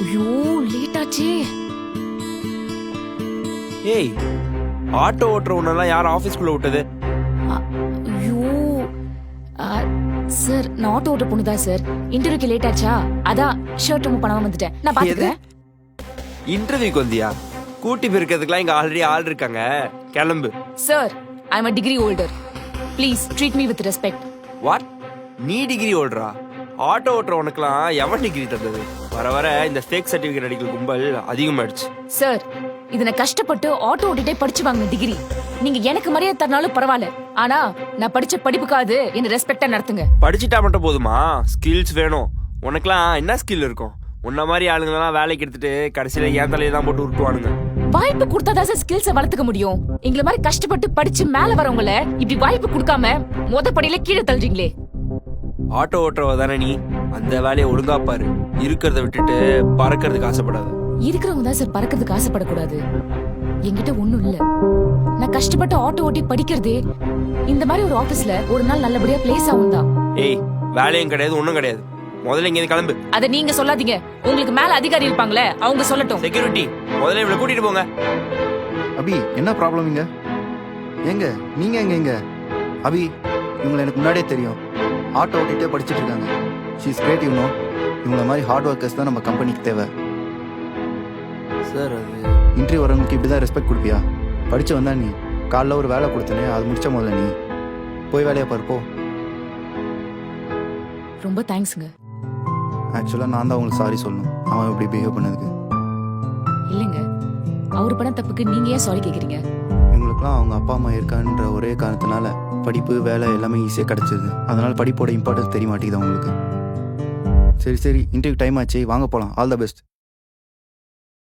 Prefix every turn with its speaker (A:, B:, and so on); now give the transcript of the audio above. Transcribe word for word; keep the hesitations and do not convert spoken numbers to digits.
A: ஐயோ லேட் ஆச்சே.
B: ஏய், ஆட்டோ ஓட்டுற உன்னெல்லாம் யார் ஆபீஸ்க்குள்ள விட்டது?
A: அ- ஐயோ சார், நான் ஆட்டோ ஓட்ட பொண்ணுதா சார். இன்டர்வியூக்கு லேட் ஆச்சா, அதான் ஷர்ட் ரிமூவ் பண்ணாம வந்துட்டேன். நான் பாத்துக்கிறேன்.
B: இன்டர்வியூக்கு வந்தியா? கூட்டி பிரிக்கிறதுக்குலாம் இங்க ஆல்ரெடி ஆள் இருக்காங்க, கிளம்பு.
A: Sir, I am a degree holder. Please treat me with respect.
B: What? நீ டிகிரி ஓடுறா? ஆட்டோ ஓட்டுற உனக்குலாம் எவன் டிகிரி தந்தது? வர வர இந்த ஃபேக் சர்டிபிகேட் அடிக்கிற கும்பல் அதிகமாயிடுச்சு.
A: சார், இது நான் கஷ்டப்பட்டு ஆட்டோ ஓட்டிட்டே படிச்சு வாங்கின டிகிரி. நீங்க எனக்கு மரியாதை தரனாலும் பரவாயில்ல, ஆனா நான் படிச்ச படிப்புக்காவது என்ன ரெஸ்பெக்டா நடத்துங்க.
B: படிச்சுட்டா மட்டும் போதுமா? ஸ்கில்ஸ் வேணும். உனக்குலாம் என்ன ஸ்கில் இருக்கும்? உன்ன மாதிரி ஆளுங்கெல்லாம் வேலைக்கு எடுத்துட்டு கடைசியில ஏன் தலையை தான் போட்டு உருட்டுவானுங்க.
A: வாய்ப்பு கொடுத்தாதான் சார் ஸ்கில்ஸை வளர்த்துக்க முடியும். எங்களை மாதிரி கஷ்டப்பட்டு படிச்சு மேல வரவங்கள இப்படி வாய்ப்பு கொடுக்காம மொத படியில கீழே தள்ளுறீங்களே.
B: ஆட்டோ ஓட்டுறவ தானே நீ? அந்த வேலையை ஒழுங்கா பாரு. இருக்கிறத விட்டுட்டு பறக்கிறதுக்கு ஆசைப்படாத.
A: இருக்கிறவங்க தான் சார் பறக்கிறதுக்கு ஆசைப்படக்கூடாது. என்கிட்ட ஒண்ணும் இல்ல. நான் கஷ்டப்பட்டு ஆட்டோ ஓட்டி படிக்கிறதே இந்த மாதிரி ஒரு ஆபீஸ்ல ஒரு நாள் நல்லபடியா பிளேஸ் ஆகும் தான்.
B: ஏய், வேலையும் கிடையாது, ஒண்ணும் கிடையாது. முதல்ல இங்க கிளம்பு.
A: அத நீங்க சொல்லாதீங்க. உங்களுக்கு மேல அதிகாரி இருப்பாங்களே, அவங்க சொல்லட்டும்.
B: செக்யூரிட்டி, முதல்ல இவளை கூட்டிட்டு போங்க.
C: அபி, என்ன ப்ராப்ளம் இங்க? எங்க நீங்க எங்க எங்க அபி, இவங்களை எனக்கு முன்னாடியே தெரியும். ஆட்டோ ஓட்டிகிட்டே படிச்சுட்டு இருக்காங்க. She is great, you know. இவங்கள மாதிரி ஹார்ட் ஒர்க்கர்ஸ் தான் நம்ம கம்பெனிக்கு தேவை.
B: சார், அது
C: இன்டர்வியூ வரவங்களுக்கு இப்படி தான் ரெஸ்பெக்ட் கொடுப்பியா? படிச்சு வந்தா நீ காலைல ஒரு வேலை கொடுத்தனே, அது முடிச்ச முதல்ல நீ போய் வேலையை பாரு, போ.
A: ரொம்ப தேங்க்ஸ்ங்க.
C: ஆக்சுவலாக நான் தான் அவங்களுக்கு சாரி சொல்லணும், அவன் இப்படி பிஹேவ் பண்ணதுக்கு.
A: இல்லைங்க, அவர் பண்ண தப்புக்கு நீங்க ஏன் சாரி கேக்குறீங்க?
C: இவங்களுக்குலாம் அவங்க அப்பா அம்மா இருக்கான்ற ஒரே காரணத்தினால படிப்பு வேலை எல்லாமே ஈஸியாக கிடச்சிது. அதனால படிப்போட இம்பார்ட்டன்ஸ் தெரிய மாட்டேங்குது அவங்களுக்கு. சரி சரி, இன்டர்வியூ டைம் ஆச்சு, வாங்க போகலாம். All the best.